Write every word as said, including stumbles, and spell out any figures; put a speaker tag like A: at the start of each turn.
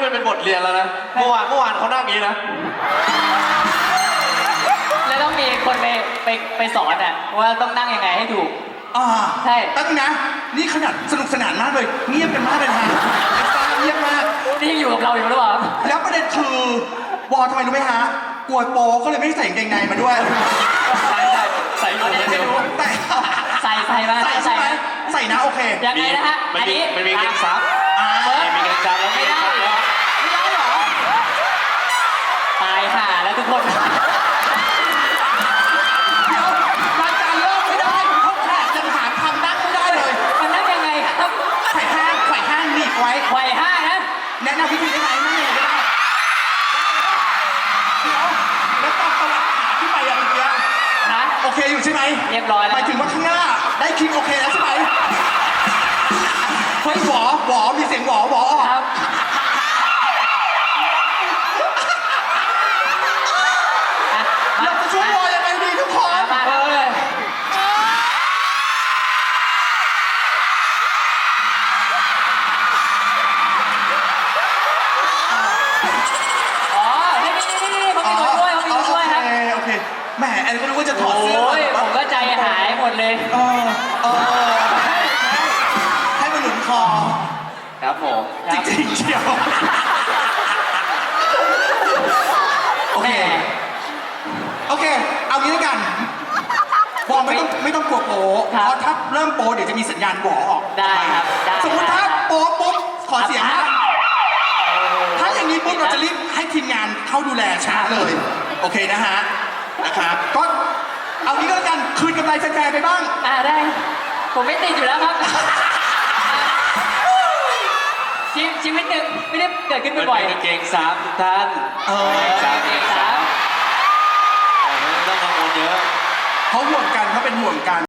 A: มันเป็นบทเรียนแล้วนะเมื่อวานเมื่อวานเขานั่งอย่างนี้นะ
B: แล้วต้องมีคนไปไปไปสอนอ่ะว่าต้องนั่งยังไงให้ถูก
C: อ่า
B: ใช่
C: ตั้งนะนี่ขนาดสนุกสนานมากเลยเงียบกันมากเลยฮะเอ็กซ์ต้าเงียบมาก
B: นี่ยังอยู่กับเราอยู่หรือเปล่า
C: แล้วประเด็นคือวอลทำไมรู้ไหมฮะกลัวโป๊ก็เลยไม่ได้ใส่กางเกงในมาด้วย
A: ใส่ใส่ใส่อยู่ไม่รู้
C: ใส่
B: ใส่ใส่มา
C: ใส่ใช่ไหมใส่นะโอเค
B: ยังไงนะฮะ
A: อันนี้มันมีเกงซับมีเกงซับแล้ว
B: ไม่ได้ไม่ได้หรอตายห่าแล้วทุกคน
C: เดี๋ยวรายการเริ่มไม่ได้เขาแขกยังหาทำนั่งไม่ได้เลย
B: มันนั่งยังไงครับ
C: ไขว่ห้างไขว่ห้างหนีบไว้
B: ไขว่ห้างนะ
C: แนะนำวิธีได้ไหมนั่งยังไงก็ได้เดี๋ยวแล้วตอนตวัดขาที่ไปอะเมื่อกี้
B: นะ
C: โอเคอยู่ใช่ไหม
B: เรียบร้อยแล้ว
C: หมายถึงว่าข้างหน้าได้คลิปโอเคแล้วใช่ไหมเฮ้ยหวอหวอมีเสียงหวอหวอออก
B: ครับ
C: เราจะช่วยวอยังไงดีทุกคน
B: มาเลยอ๋อนี่นี่นี่นี่เขามีคนช่วยเขามีคนช่วยครับ
C: โอเคแหมแอนก็รู้ว่าจะถอดเสื้อ
B: โอ้ยผมก็ใจหายหมดเลย
C: เออเออให้มันหนุนคอ
A: ครับผม
C: จริงๆเชียวโอเคโอเคเอางี้แล้วกันบอลไม่ต้องไม่ต้องกลัวโป๊เพราะถ้าเริ่มโป๊เดี๋ยวจะมีสัญญาณบอออก
B: ได้ครับ
C: สมมติถ้าโป๊ปุ๊บขอเสียงนะถ้าอย่างนี้ปุ๊บเราจะรีบให้ทีมงานเข้าดูแลช้าเลยโอเคนะฮะนะครับก็เอางี้ก็แล้วกันคืนกำไรแฟนๆไปบ้าง
B: อ่าได้ผมไม่ติดอยู่แล้วครับชีวิตชีวิตหนึ่งไม่ได้เกิดขึ้นบ่อย
A: ๆเกงซับทุกท่าน
C: เออ
A: เกงซับเกงซับไม่ต้องกังวลเยอะ
C: เขาห่วงกันเขาเป็นห่วงกัน